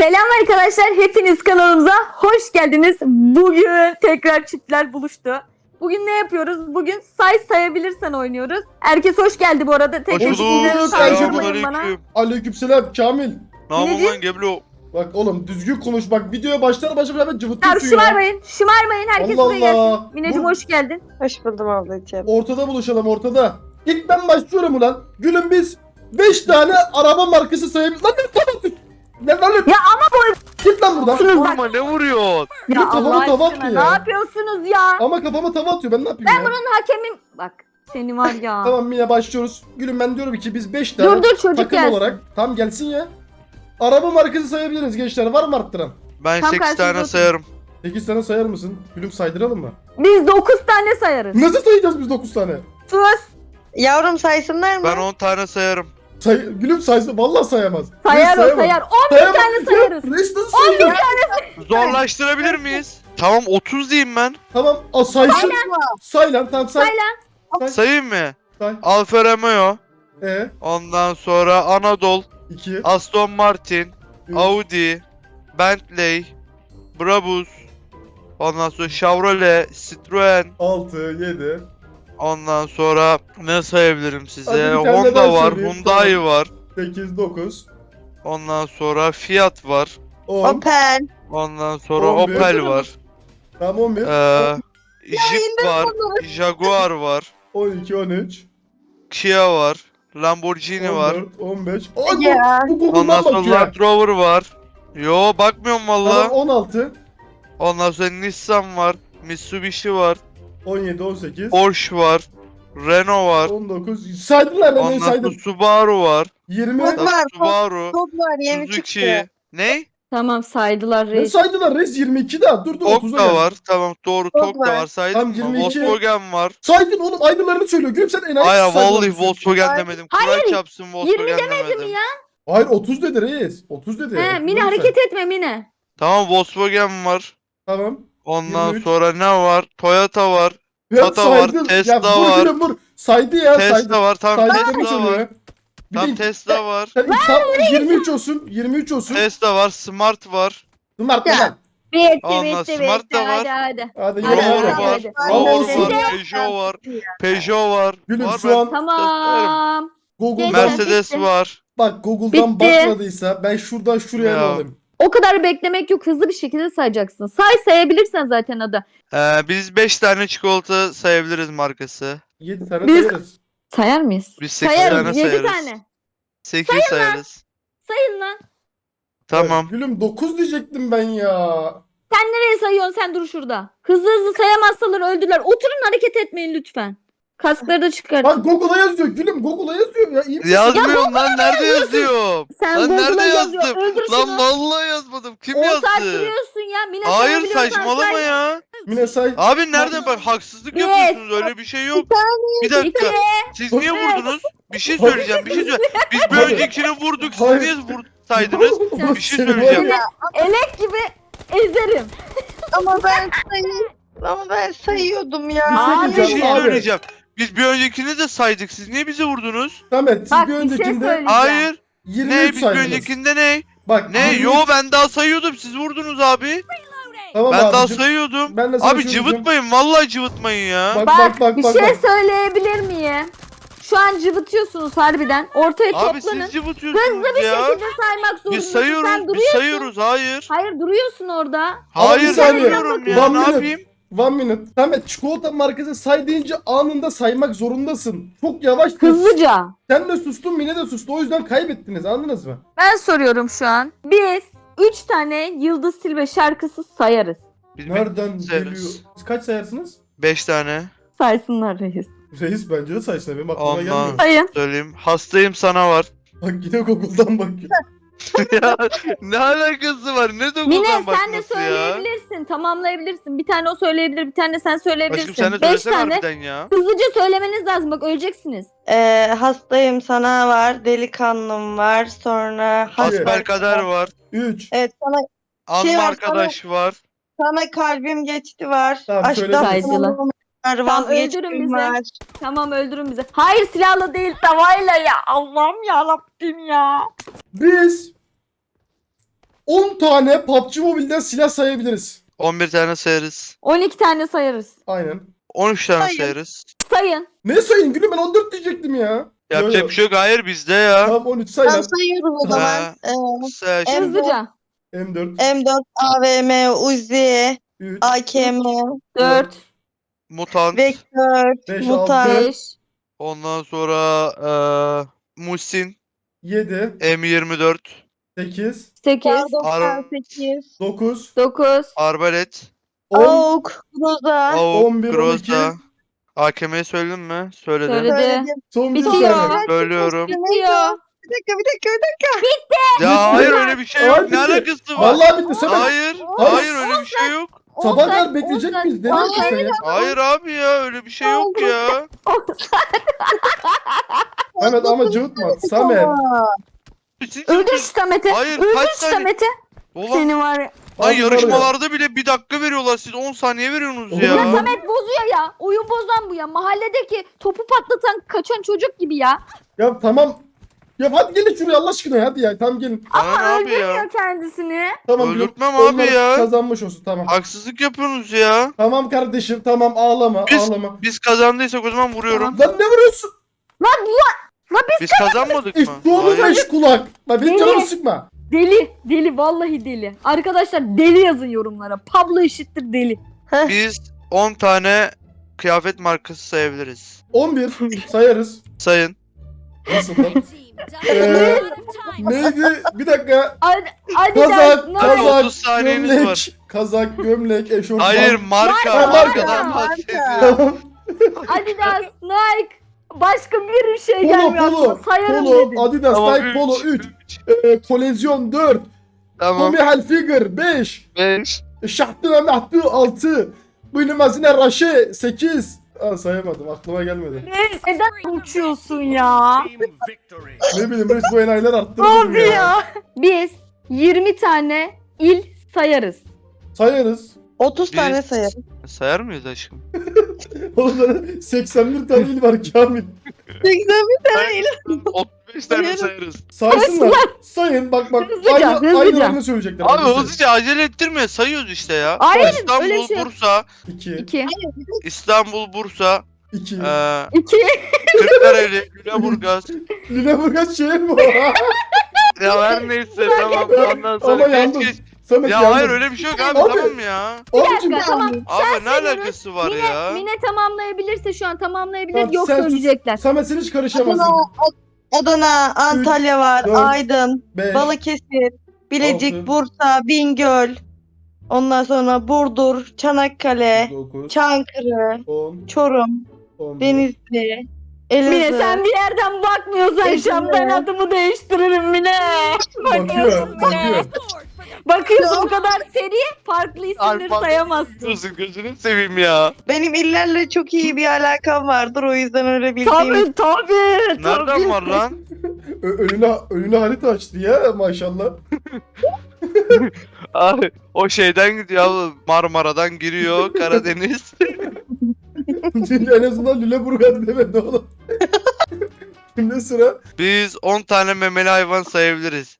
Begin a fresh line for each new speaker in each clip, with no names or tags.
Selam arkadaşlar, hepiniz kanalımıza hoş geldiniz. Bugün tekrar çiftler buluştu. Bugün ne yapıyoruz? Bugün sayabilirsen oynuyoruz. Herkes hoş geldi bu arada. Tek
Hoş
tek isimleri
bulduk.
saydırmayın bana.
Selamünaleyküm.
Aleykümselam Kamil.
Ne yapıyorsun
Mineciğim?
lan Geblo?
Bak oğlum düzgün konuş bak videoya başlar hemen
Ya
cıvıtıyorsun ya.
şımarmayın. Herkes
Allah
buraya gelsin.
Allah.
Mineciğim
Bu-
hoş geldin.
Hoş buldum ablacığım.
Ortada buluşalım ortada. İlk ben başlıyorum ulan. Gülüm biz 5 tane araba markası sayabiliriz. Lan ne tava atıyorsun? Ne lan?
Ya ama
Git lan buradan.
boyusunuz bak.
Vurma ne vuruyorsun?
Gülüm
Ya
kafama
Allah
tava
aşkına
attı
ne
ya.
yapıyorsunuz ya?
Ama kafama tava atıyor ben ne yapayım ya?
Bunun hakemim... Bak seni var ya.
Tamam yine başlıyoruz. Gülüm ben diyorum ki biz 5 tane
Dur çocuk
takım
gelsin.
olarak tam gelsin ya. Araba markası sayabiliriz gençler. Var mı arttıran?
Ben
Tam
8
karşınızda
tane
oturun.
sayarım.
8 tane sayar mısın? Gülüm saydıralım mı?
Biz 9 tane sayarız.
Nasıl sayacağız biz 9 tane?
Sus.
Yavrum saysınlar mı?
Ben 10 tane sayarım.
Gülüm saysın vallahi sayamaz.
Sayar
Reis
o
sayamaz.
sayar. 11
Sayamaz.
tane sayarız.
Reis nasıl sayıyor?
Zorlaştırabilir miyiz? Tamam 30 diyeyim ben.
Tamam saysın. Say lan tamam say.
Say lan.
Sayayım mı?
Say.
Alfa Romeo. Ondan sonra Anadolu.
2,
Aston Martin.
3,
Audi. Bentley. Brabus. Ondan sonra Chevrolet. Citroen.
6, 7,
Ondan sonra ne sayabilirim size?
Hadi bir tane ben
Honda var.
söyleyeyim,
Hyundai
tamam.
var.
8, 9,
Ondan sonra Fiat var.
10,
Opel.
Ondan sonra
11.
Opel var.
tamam 11,
Jeep var. Jaguar var.
12, 13,
Kia var. Lamborghini var.
14, 15. Ay
Ya.
bu
Ondan
Google'dan
sonra
bakıyor.
Land Rover var. Yo bakmıyorum
Tamam
valla.
16,
Ondan sonra Nissan var. Mitsubishi var.
17, 18,
Porsche var. Renault var.
19. Saydılar lan
Ondan sonra
saydım.
Subaru var.
20.
Bak, var.
Subaru.
Top var yeni çıktı.
Suzuki. Ne?
Tamam saydılar
Ne
reis.
saydılar reis 22 daha. Dur
Tok
30'a
da
gel.
var. Tamam doğru
Tok
Tok da
var.
var. Saydım
Tam
mı?
22.
Volkswagen var.
Saydın oğlum aynılarını söylüyor. Gülüm sen enayi
Aya
saydın
vallahi
onu.
Volkswagen
Hayır.
demedim. Kur'an çarpsın
20
Volkswagen
demedim
demedim.
ya.
Hayır 30 dedi reis. 30 dedi.
He,
30
Mine
dedi
hareket etme Mine.
Tamam Volkswagen var.
Tamam.
Ondan
23.
sonra ne var? Toyota var.
Ya
Tata var,
saydın.
Tesla
ya, vur
var.
Gülüm vur. Saydı ya saydı.
Tesla var. Tamam
Saydıklarını
Tesla
söylüyor
var.
ya. Bir
Tam
de
Tesla var.
tam 23 olsun. 23 olsun.
Tesla var. Smart var.
Smart
Ya.
lan.
Bitti
Ondan Smart da var.
hadi.
Hadi
Hadi,
yine
Rover
hadi,
var.
hadi.
Rover
Hadi.
var. Peugeot var. Peugeot var.
Gülüm
Var
şu
ben
an
Tamam.
Google'dan
Mercedes
Bitti.
var.
bak Google'dan
Bitti.
bakmadıysa ben şuradan şuraya ne
Ya.
alayım?
O kadar beklemek yok. Hızlı bir şekilde sayacaksın. Sayabilirsen zaten adı.
Biz 5 tane çikolata sayabiliriz markası.
7 tane
Biz-
sayarız.
Sayar mıyız?
Biz 8
Sayarız.
tane
7
sayarız.
tane.
8 sayarız.
Sayın lan.
Tamam.
Gülüm 9 diyecektim ben ya.
Sen nereye sayıyorsun? Sen dur şurada. Hızlı sayamazsalar öldüler. Oturun hareket etmeyin lütfen. Kaskları da çıkartın.
Bak Google'a yazıyor Gülüm Google'a yazıyor ya. İyi misin?
Yazmıyorum lan nerede yazıyorum?
Sen
Lan nerede
Google'a yazıyor.
yazdım?
Öldür
Lan
şunu.
vallahi yazmadım. Kim
10 saat
yazdı?
duruyorsun ya. Mine
Hayır
sayabiliyorsan
saçmalama
say.
ya.
Mine say.
Abi nerede bak haksızlık
Bir.
yapıyorsunuz öyle bir şey yok. Bir dakika. Siz niye vurdunuz? Bir şey söyleyeceğim. Biz bir öncekini vurduk. Siz
Hayır.
niye saydınız? Bir şey
Seni var
söyleyeceğim.
ya.
Elek gibi ezerim.
Ama ben sayıyordum ya.
Abi,
Bir şey
Abi.
söyleyeceğim. Biz bir öncekini de saydık. Siz niye bizi vurdunuz?
Samet siz
Bak,
bir
bir şey
öncekinde
söyleyeceğim.
Hayır.
23
Ne? Biz bir
saydınız.
öncekinde ne?
Bak
Ne?
23
Yo ben daha sayıyordum. Siz vurdunuz abi.
Tamam
Ben daha
abicim.
sayıyordum.
Ben de sana
Abi
şunu diyeceğim.
cıvıtmayın. Vallahi cıvıtmayın ya.
Bak
Bir
bak
şey
bak.
söyleyebilir miyim? Şu an cıvıtıyorsunuz harbiden. Ortaya
Abi
toplanın.
siz cıvıtıyorsunuz
Hızlı bir
ya.
şekilde saymak zorundasın.
Biz
Sen
sayıyoruz. Biz
duruyorsun.
sayıyoruz. Hayır.
Hayır duruyorsun orada.
Ama bir
Hayır
saniye.
sayıyorum ya.
One
Ne
minute.
yapayım?
1 minute. Samet çikolata markası say deyince anında saymak zorundasın. Çok yavaş.
Hızlıca.
Sen de sustun Mine de sustu. O yüzden kaybettiniz anladınız mı?
Ben soruyorum şu an. Biz 3 tane Yıldız Tilbe şarkısı sayarız.
Biz
Nereden
sayarız.
geliyor? Siz kaç sayarsınız?
5 tane.
Saysınlar reis.
Reis bence de saysın. Benim aklıma
Ondan.
gelmiyor.
Sayın.
Söyleyeyim. Hastayım sana var.
Bak yine Google'dan bakıyor.
Ya ne alakası var? Ne de
Mine
buradan
sen de
bakması ya?
söyleyebilirsin. Tamamlayabilirsin. Bir tane o söyleyebilir. Bir tane sen söyleyebilirsin.
Aşkım sen de
5
söylesene
tane.
harbiden ya.
Hızlıca söylemeniz lazım. Bak öleceksiniz.
Hastayım sana var. Delikanlım var. Sonra
Hasbelkader var.
3.
Evet sana
Anma
var,
arkadaş var.
kalbim geçti var.
Tamam, söyle.
Saydılar. Tamam, öldürün bizi.
var.
Tamam öldürün bizi. Hayır silahla değil tavayla ya. Allah'ım ya Rabbim ya.
Biz 10 tane PUBG Mobile'den silah sayabiliriz.
11 tane sayarız.
12 tane sayarız.
Aynen.
13 tane
Sayın.
sayarız.
Sayın.
Ne sayın gülüm, ben 14 diyecektim ya.
Yapacak bir şey yok. Hayır bizde ya.
Tamam 13 say
Ben
lan.
sayıyorum o zaman.
Ha. Say
Evet.
Hızlıca.
M4,
M4, AVM, Uzi,
3,
AKM,
4,
Mutant.
Vektör,
5,
Mutant,
6,
5,
Ondan sonra Muhsin.
7,
M24.
8,
8,
Kar 98,
9,
9,
Arbalet.
10,
AUK, Groza.
Avuk.
11, 12.
Groza. AKM'yi söyledin mi? Söyledim.
Söyle.
Söyledim.
son bir
Bitiyor.
tane.
Söylüyorum.
bitiyor.
Bir dakika.
Ya hayır öyle bir şey yok.
Hayır,
Ne
bitti.
alakası var?
Vallahi bitti. Samet.
Hayır.
Hayır.
Hayır öyle bir şey yok.
Sabah kadar bekleyecek miyiz? Ne diyorsun sen ya?
Hayır abi ya öyle bir şey yok ya.
Mehmet ama cıvıtma. Samet.
Siz
Öldür
yapıyorsunuz.
şu Samet'i.
Hayır,
Öldür
kaç
şu
saniye-
Samet'i.
Ulan,
Seni var ya.
lan
Abi var ya.
yarışmalarda bile 1 dakika veriyorlar. Siz 10 saniye veriyorsunuz
Oğlum
ya.
ya.
Samet bozuyor ya. Oyun bozan bu ya. Mahalledeki topu patlatan kaçan çocuk gibi ya.
Ya tamam. Ya hadi gelin şuraya Allah aşkına hadi ya. Tamam gelin.
Bana ne abi
Öldürmüyor
ya?
kendisini.
Tamam.
Öldürtmem
onlar
abi ya.
Kazanmış olsun tamam.
Haksızlık yapıyorsunuz ya.
Tamam kardeşim tamam ağlama ağlama.
Biz kazandıysak o zaman vuruyorum.
Lan ne vuruyorsun?
Biz kazanmadık mı?
İşte onu
Hayır.
beş kulak. Lan benim
Deli.
canımı sıkma.
Deli vallahi deli. Arkadaşlar deli yazın yorumlara. Pablo eşittir deli.
Biz 10 tane kıyafet markası sayabiliriz.
11 sayarız.
Sayın.
Nasıl lan? Neydi? Bir dakika.
Adidas,
Kazak,
Nike.
kazak,
30 saniyeniz
gömlek,
var.
kazak, gömlek, eşofman.
Hayır marka.
Marka.
Markadan
Marka.
bahsediyorum.
Tamam.
Adidas, Nike. Başka bir şey
Polo,
gelmiyor
polo,
aklıma. Sayarım
polo,
dedim.
Adidas,
Tamam,
Nike, Polo 3, Kolezyon 4,
Tamam.
Tommy Hilfiger 5,
5.
Şahtına Mehdi 6, Buyurmazine Raşe 8. Aa, sayamadım aklıma gelmedi.
Neden uçuyorsun ya?
Ne bileyim reis bu enayiler arttırdım
Abi ya. Biz 20 tane il sayarız.
Sayarız.
30 tane
Biz-
sayarım.
Sayar mıyız aşkım?
Onların 81 tane il var Kamil.
81 tane il.
35 tane
Sayarım.
sayarız.
Saysınlar. Sayın bak
Hızlıca, hızlıca.
aynılarını söyleyecekler.
Abi hızlıca acele ettirme sayıyoruz işte ya.
Hayır,
İstanbul,
öyle şey yok.
Bursa,
2,
2.
İstanbul, Bursa,
2.
2.
Kırklareli, Lüleburgaz.
Lüleburgaz şehir mi o?
Ya her neyse tamam ondan
Ama
sonra
yandım.
geç.
Samet
Ya
yandım.
hayır öyle bir şey yok abi,
Abi.
tamam ya.
Abicim,
dakika, tamam.
Abi ne
sayıyoruz.
alakası var ya?
Mine tamamlayabilirse şu an tamamlayabilir.
Tamam,
Yok
sen sus.
söyleyecekler.
Samet sen hiç karışamazsın.
Adana, Antalya var,
4,
Aydın,
5,
Balıkesir, Bilecik,
6,
Bursa, Bingöl. Ondan sonra Burdur, Çanakkale,
9,
Çankırı,
10,
Çorum,
11.
Denizli,
Mine
Elazığ.
sen bir yerden bakmıyorsan şu an ben adımı değiştiririm Mine.
Bakıyor, bakıyor.
Bakıyorsun bu kadar seri farklı isimleri
Alfa-
sayamazsın.
Diyorsun gözünü seveyim ya.
Benim illerle çok iyi bir alakam vardır, o yüzden öyle bildiğim.
Tabii.
Nereden var lan?
Önüne harita açtı ya maşallah.
Abi o şeyden gidiyor abi, Marmara'dan giriyor Karadeniz.
en azından Lüleburgaz demedi oğlum. Şimdi sıra.
Biz 10 tane memeli hayvan sayabiliriz.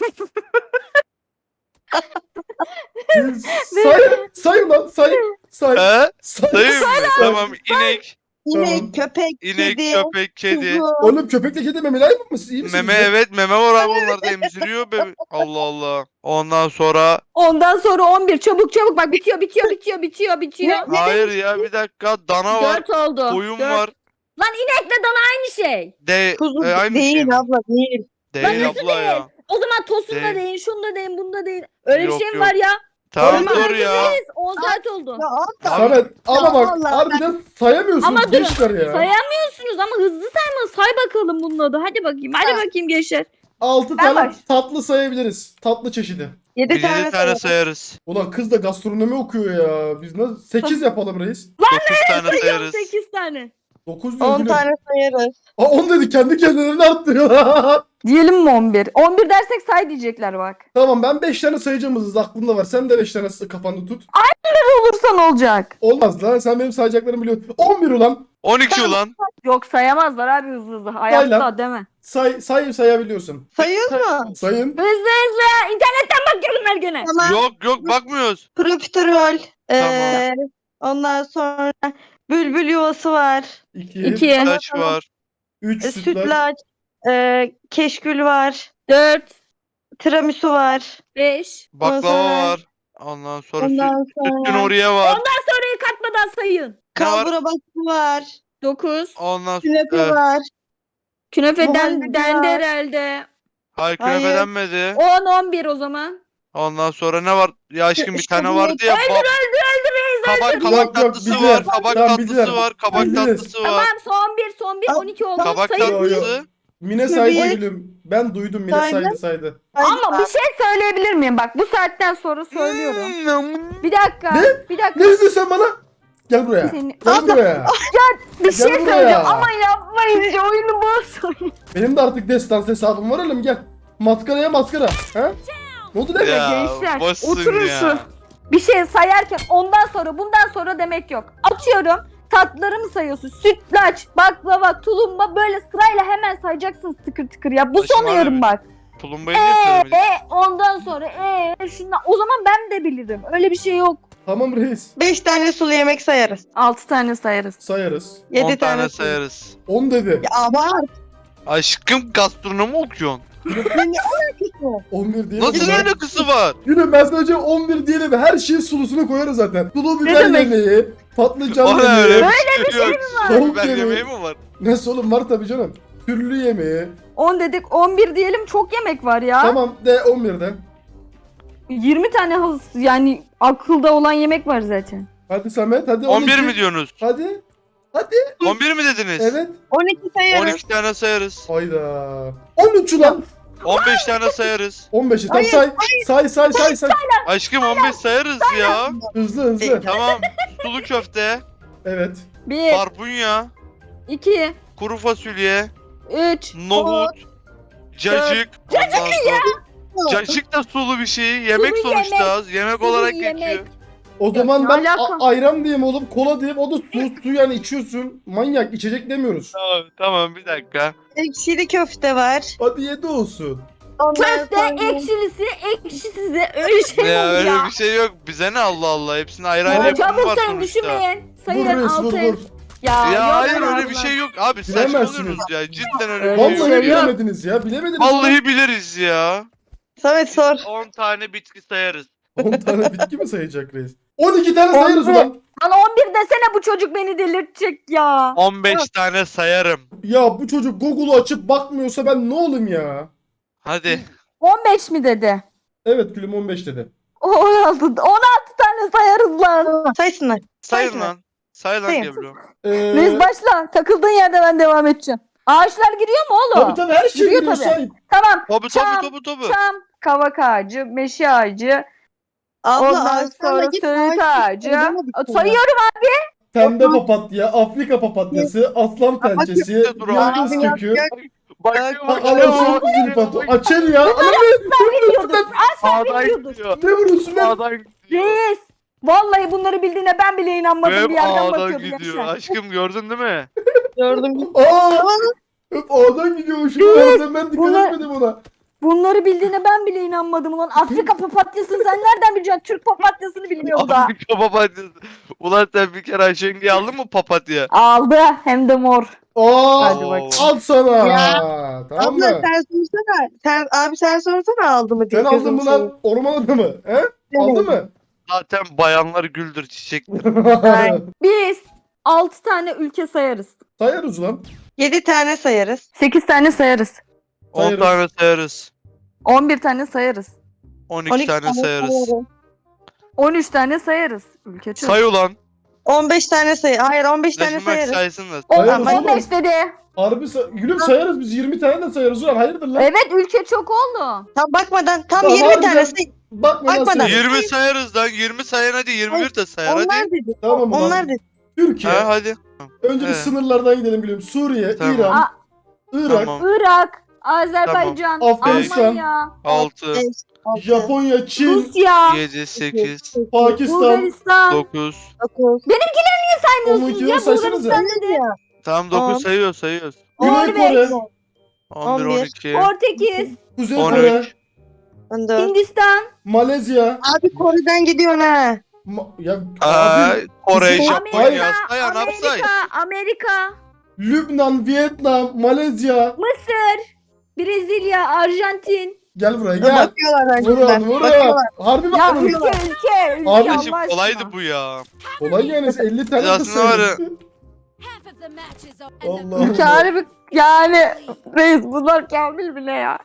Say lan say. Say.
He?
Say.
Sayayım mı? Tamam inek,
İnek, köpek,
inek,
kedi,
köpek, kedi.
kuzu.
Oğlum köpekle kedi memeli hayvan mı? İyi misiniz
Meme
ya?
evet meme var abi, onlar da emziriyor bebe. Allah Allah. Ondan sonra
Ondan sonra 11 çabuk bak bitiyor.
hayır ya bir dakika, dana var,
4 oldu.
koyun
Dört.
var.
Lan inekle dana aynı şey.
Kuzu
Aynı
değil
şey mi?
abla, değil.
Değil
nasıl
abla ya.
O zaman tosun da
Değil.
değil, şunu da değil, bunu da değil. Öyle
Yok,
bir şey mi
yok.
var ya?
Tamam
Oğlum,
dur ya.
herkes 10 saat oldu.
Ya abla,
Samet ama bak
vallahi
harbiden sayamıyorsunuz
Ama durun,
gençler ya.
Sayamıyorsunuz ama hızlı sayma. Say bakalım bunun adı. Hadi bakayım. Hadi
Ha.
bakayım gençler.
6
Ben
tane
var.
tatlı sayabiliriz. Tatlı çeşidi.
7
Biz 7
tane
tane
sayarım.
sayarız.
Ulan kız da gastronomi okuyor ya. Biz nasıl 8 yapalım reis.
9 tane sayarız.
8 tane.
9 diyor
10
gülüm.
tane sayarız.
Aa 10 dedi kendi kendilerini arttırıyorlar.
Diyelim mi 11? 11 dersek say diyecekler bak.
Tamam ben 5 tane sayacağım hızlı aklımda var. Sen de 5 tane kafanda tut.
Olursa ne olacak?
Olmaz lan sen benim sayacaklarımı biliyorsun. 11 ulan.
12 ulan.
Yok sayamazlar abi hızlı hızlı. Hayatta deme.
Sayabiliyorsun.
Sayıyoruz mu?
Sayın.
Hızlı hızlı. İnternetten bakıyorum her güne.
Tamam.
Yok bakmıyoruz.
Profiterol.
Tamam.
Ondan sonra bülbül yuvası var.
2,
2,
Taş var.
3 sütlaç.
Sütlaç. Keşkül var.
4,
Tiramisu var.
5.
Baklava
sonra-
var. Ondan sonra
Ondan
sütlü
sonra
Nuriye var.
Soruyu katmadan sayın.
Ne var?
kalbura baskı var.
9.
Ondan
Künefe
sonra
var.
Künefeden
Muhallebi
dendi
var.
herhalde.
hayır
Hayır.
künefe denmedi.
10, 11 o zaman.
Ondan sonra ne var? Ya aşkım bir
İşte
tane
bu
vardı ya. Kabak
Yok,
tatlısı
bildiler.
var. Kabak
Tamam,
tatlısı
bildiler.
var. Kabak
Bildiniz.
tatlısı var.
Tamam son bir 12 oldu.
Kabak
Sayın.
tatlısı.
Mine saydı
Tabii.
gülüm. Ben duydum Mine
Saydı.
saydı.
Ama bir şey söyleyebilir miyim? Bak bu saatten sonra söylüyorum. Bir dakika.
Ne?
Bir dakika.
Ne dedin sen bana? Gel buraya.
Seni-
Gel buraya.
Bir şey
Gel buraya.
söyleyeceğim ama yapmayın. Oyunu bozmayın.
Benim de artık destans hesabım var oğlum gel. Maskaraya maskara. Ha? Ne oldu lan?
Ya,
Gençler
boşsun
oturun
ya.
şu. Bir şey sayarken ondan sonra bundan sonra demek yok. Atıyorum. Tatlıları mı sayıyorsun? Sütlaç, baklava, tulumba böyle sırayla hemen sayacaksınız tıkır tıkır ya. Bu
Saçma
son uyarım
abi.
bak.
Tulumbayı niye söylemedin?
Ondan sonra şundan. O zaman ben de bilirim. Öyle bir şey yok.
Tamam reis.
5 tane sulu yemek sayarız.
6 tane sayarız.
Sayarız.
7
10 tane
sulu.
sayarız.
10 dedi.
Ya abart.
Aşkım gastronomi okuyorsun.
Ne alakası?
11 diye.
Nasıl alakası var?
Gülüm ben sadece 11 diyelim. Her şeyin sulusunu koyarız zaten. Sulu biber
demek?
yemeği, patlıcan
Ona öyle
yemeği.
bir şey yok.
Tavuk
Biber
yemeği.
yemeği mi var?
Nasıl oğlum var tabii canım. Türlü yemeği.
10 dedik 11 diyelim çok yemek var ya.
Tamam de 11'den.
20 tane yani akılda olan yemek var zaten.
Hadi Samet hadi 12.
11 mi diyorsunuz?
Hadi.
11 mi dediniz?
Evet.
12 sayarız.
12 tane sayarız.
Hayda. 13 ulan.
15 tane sayarız.
15'i tam say.
Aşkım 15 sayarız ya.
Hızlı.
Tamam. Sulu köfte,
Evet.
1,
barbunya,
2,
kuru fasulye,
3,
nohut, cacık. Cacık da sulu bir şey. Yemek
Sulu
sonuçta. Yemek
Sulu
olarak
yemek.
geçiyor.
O zaman
ne
ben
alaka?
ayran diyeyim oğlum, kola diyeyim. O da su yani içiyorsun. Manyak içecek demiyoruz.
Tamam bir dakika.
Ekşili köfte var.
Hadi 7 olsun.
Ondan
köfte,
sonra-
ekşilisi, ekşisizi öyle şey mi
Ya
olur
öyle
ya?
bir şey yok. Bize ne Allah Allah. Hepsinin ayrı ayrı
Tamam,
yapımı
Çabuk
var
sayın
sonuçta.
düşünmeyin.
Vur
Sayın
reis vur
6.
vur.
Ya,
Ya
yok
hayır
ya,
öyle bir
Allah.
şey yok. Abi
Bilemezsiniz.
saçmalıyorsunuz ya. Cidden öyle bir
Öyle
şey
bir
yok.
Vallahi
şey yok.
bilemediniz ya. Bilemediniz.
Vallahi biliriz ya.
Samet sor.
10 tane bitki sayarız.
10 tane bitki mi sayacak reis? 12 tane sayarız
11.
ulan.
Lan 11 desene bu çocuk beni delirtecek ya.
15 tane sayarım.
Ya bu çocuk Google'u açıp bakmıyorsa ben ne olayım ya?
Hadi.
15 mi dedi?
Evet gülüm 15 dedi.
16 tane sayarız lan.
Saysınlar.
Sayın
Sayın.
lan. Say lan
Sayın.
Geblo.
Reis başla. Takıldığın yerde ben devam edeceğim. Ağaçlar giriyor mu oğlum?
tabii her şey
Giriyor
giriyor
tabii.
say.
Tamam.
Tabii
Çam,
tabii.
Çam, kavak ağacı, meşe ağacı,
Abla
ondan
ağaçlarla
sonra
git,
söğüt ağacı.
Edemedik ya.
Sayıyorum
Pembe papatya, Afrika papatyası, aslan pençesi,
dur,
yıldız
abi,
kökü.
Bak.
Alasın zilpato. Açel ya.
biliyordum. Asla
Sağdan
biliyordum.
gidiyor.
Ne vuruyorsun lan?
Sağdan gidiyor.
Reis. Vallahi bunları bildiğine ben bile inanmadım
Hep
bir yerden
ağdan
bakıyordum
gidiyor.
gençler.
Aşkım gördün değil mi?
Gördüm.
Aa! Hep ağdan gidiyormuşum. Ben dikkat
bunlar-
etmedim ona.
Bunları bildiğine ben bile inanmadım ulan. Afrika papatyasını sen nereden bileceksin? Türk papatyasını bilmiyorum da.
Afrika papatyası. Ulan sen bir kere Ayşenge'yi aldın mı papatya?
Aldı hem de mor.
Aa!
Hadi bakayım.
Al sana.
Ya.
Tamam
Abla
mı?
sen sorsana. Abi sen sorsana aldı mı diye.
Sen aldın
gözüm
mı lan orman adamı? He? Aldın mı?
Zaten bayanlar güldür çiçek.
Biz 6 tane ülke sayarız.
Sayarız lan.
7 tane sayarız.
8 tane sayarız.
10
Sayarız.
tane sayarız.
11 tane sayarız.
12 tane sayarız.
13 tane sayarız. Ülke çok.
Say ulan.
15 tane
Hayır
15 tane
Taşınmak
sayarız.
saysın da.
Sayarız oğlum.
15 dedi.
Harbi gülüm sayarız biz 20 tane de sayarız ulan hayırdır lan?
Evet ülke çok oldu.
Tam bakmadan tam
Tamam,
20 tane
harbiden.
say.
Bakma
Bakmadan.
nasıl?
20 sayarız lan. 20 sayan hadi 21 de sayar
Onlar
hadi.
dedi.
Tamam ulan.
Onlar dedi.
Türkiye.
Ha hadi.
Önce bir
He.
sınırlardan gidelim gülüm. Suriye,
Tamam.
İran,
Aa,
Irak,
Tamam.
Irak, Azerbaycan,
Afganistan.
Almanya,
6.
Japonya, Çin,
Rusya,
7, 8,
Pakistan.
Bulgaristan.
9.
9.
Saymıyorsunuz ya,
saysanıza.
Bulgaristan dedi.
Tamam
On.
9 sayıyoruz.
Güney Kore,
11,
11.
12,
Portekiz,
Kuzey Kore,
13.
14.
Hindistan,
Malezya.
Abi Kore'den gidiyorsun ha.
Ya
Aa,
abi,
Kore,
Kuzey-
Japonya, say anam say.
Amerika,
Lübnan, Vietnam, Malezya.
Mısır, Brezilya, Arjantin.
Gel buraya gel.
Bakıyorlar
Vurun
önceden.
vurun.
Bakıyorlar.
Harbi mi?
Ya
Abi,
ülke
Abicim,
Allah aşkına.
Kolaydı bu ya.
kolay yani 50 tane
Aslında
kız
var ya-
sayıyorsun. Allah Allah.
Ülke harbi yani reis bunlar kamil mi ne ya?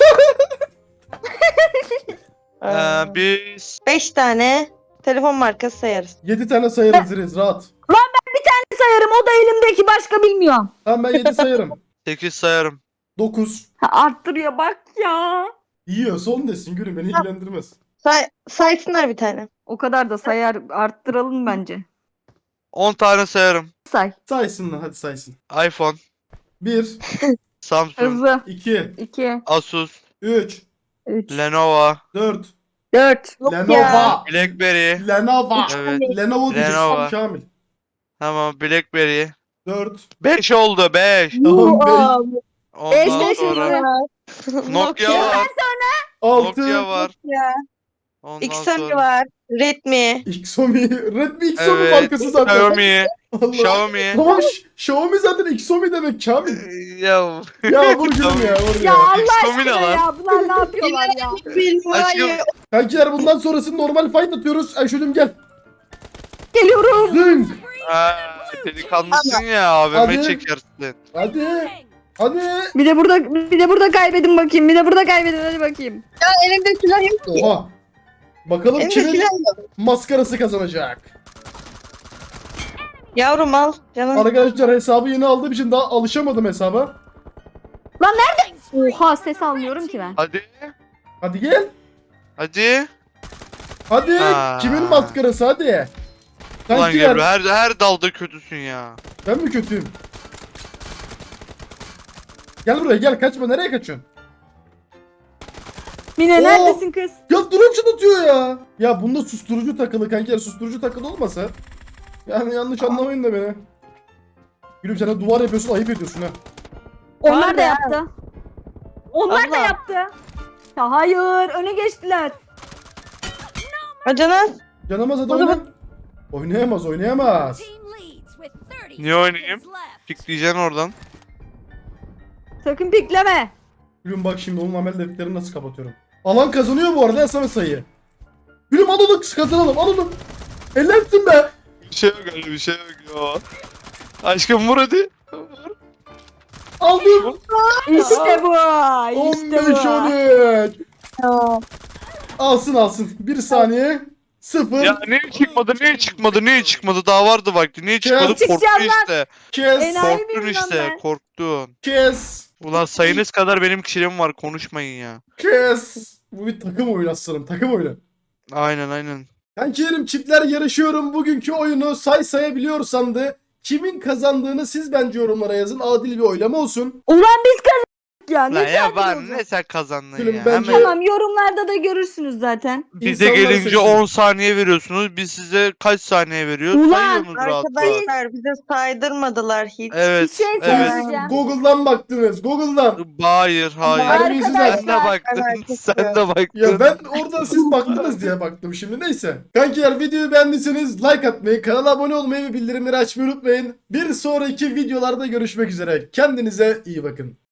Biz
5 tane telefon markası sayarız.
7 tane sayarız Riz rahat.
Sayarım, o da elimdeki, başka bilmiyorum.
Tamam ben 7 sayarım.
8 sayarım.
9.
Ha, arttırıyor bak ya.
Yiyor son desin gülüm beni ilgilendirmez.
Saysınlar bir tane.
O kadar da sayar, arttıralım bence.
10 tane sayarım.
Say.
Saysınlar hadi saysın.
iPhone,
1,
Samsung,
Hızlı.
2,
2,
Asus,
3,
3,
Lenovo,
4.
4.
Lenovo.
BlackBerry.
Lenovo.
Evet.
Lenovo diyeceksin
Lenovo.
Kamil.
Tamam, BlackBerry.
4.
5 oldu 5.
Tamam 5.
Beş,
Ondan
beş,
sonra Nokia var.
6.
Nokia var.
Ya.
Ondan
Xiaomi
sonra
var. Redmi.
Xiaomi. Redmi Xiaomi
Evet.
markası zaten.
Xiaomi.
Allah.
Xiaomi.
Tamam Xiaomi zaten Xiaomi demek Kamil.
Ya
Ya vur gülüm ya vur
Ya
ya.
Allah
Xiaomi ne
aşkına
lan?
ya, bunlar ne yapıyorlar ya?
Aşkım.
Kankiler bundan sonrası normal fight atıyoruz. Ayşe'cim gel.
Geliyorum.
Zınk.
Ha, delikanlısın ya
Hadi.
abime çekersin.
Hadi. Hadi.
Bir de burada kaybedin bakayım. Bir de burada kaybedin, hadi bakayım.
Ya elimde silah yok ki.
Oha. Bakalım
Elimde
kimin
silah yok.
maskarası kazanacak.
Yavrum al. Canım.
Arkadaşlar hesabı yeni aldığım için daha alışamadım hesaba.
Oha, ses almıyorum ki ben.
Hadi.
Hadi gel.
Hadi.
Hadi.
Aa.
Kimin maskarası hadi.
Ulan
Kankiler
Gebru her dalda kötüsün ya.
ben mi kötüyüm? Gel buraya gel kaçma nereye kaçıyorsun?
Mine
Oo.
neredesin kız?
Ya drone atıyor ya. Ya bunda susturucu takılı kankiler susturucu takılı olmasa. Yani yanlış anlamayın da beni. Gülüm sen de duvar yapıyorsun ayıp ediyorsun ha.
Onlar
Var
da
ya.
yaptı. Onlar da
Allah.
yaptı. Ya hayır, öne geçtiler.
Acanas.
Canamaz hadi
O
oyna.
zaman-
Oynayamaz oynayamaz.
Niye oynayayım? Pikleyeceksin oradan.
Sakın pikleme.
Gülüm bak şimdi onun amel defterini nasıl kapatıyorum. Alan kazanıyor bu arada yasama sayıyı. Gülüm al onu kazanalım al onu. Ellersin be.
Bir şey yok öyle bir şey yok ya. Aşkım vur hadi. Vur.
Aldım.
İşte bu. İşte
15
bu.
13.
Tamam.
Alsın. 1 saniye. 0.
Ya niye çıkmadı daha vardı vakti niye çıkmadı
Çıkacağım
korktun
lan.
işte.
Kes.
Enayi
Korktun
miyim lan
işte
ben?
korktun.
Kes.
Ulan sayınız kadar benim kişiliğim var konuşmayın ya.
Kes. Bu bir takım oyunu aslanım takım oyunu.
Aynen.
Kankilerim çiftler yarışıyorum. Bugünkü oyunu sayabiliyorsan da kimin kazandığını siz bence yorumlara yazın. Adil bir oylama olsun.
Ulan biz kazandık ya.
Lan
Ne
ya
sakin
ben
olacak?
ne sen kazandın
Gülüm,
ya.
bence-
Hemen
Tamam, yorumlarda da görürsünüz zaten.
bize
İnsanlar
gelince
seçsin.
10 saniye veriyorsunuz. Biz size kaç saniye veriyoruz?
Ulan,
Sayıyorsunuz rahat rahat.
Arkadaşlar bize saydırmadılar hiç.
Evet.
Bir şey
evet.
söyleyeceğim.
Google'dan baktınız. Google'dan.
Hayır.
Terbiyesiz
Sen
herif.
de baktın.
Arkadaşlar.
Sen de baktın.
Ya ben oradan siz baktınız diye baktım şimdi neyse. Kankiler videoyu beğendiyseniz like atmayı, kanala abone olmayı ve bildirimleri açmayı unutmayın. Bir sonraki videolarda görüşmek üzere. Kendinize iyi bakın.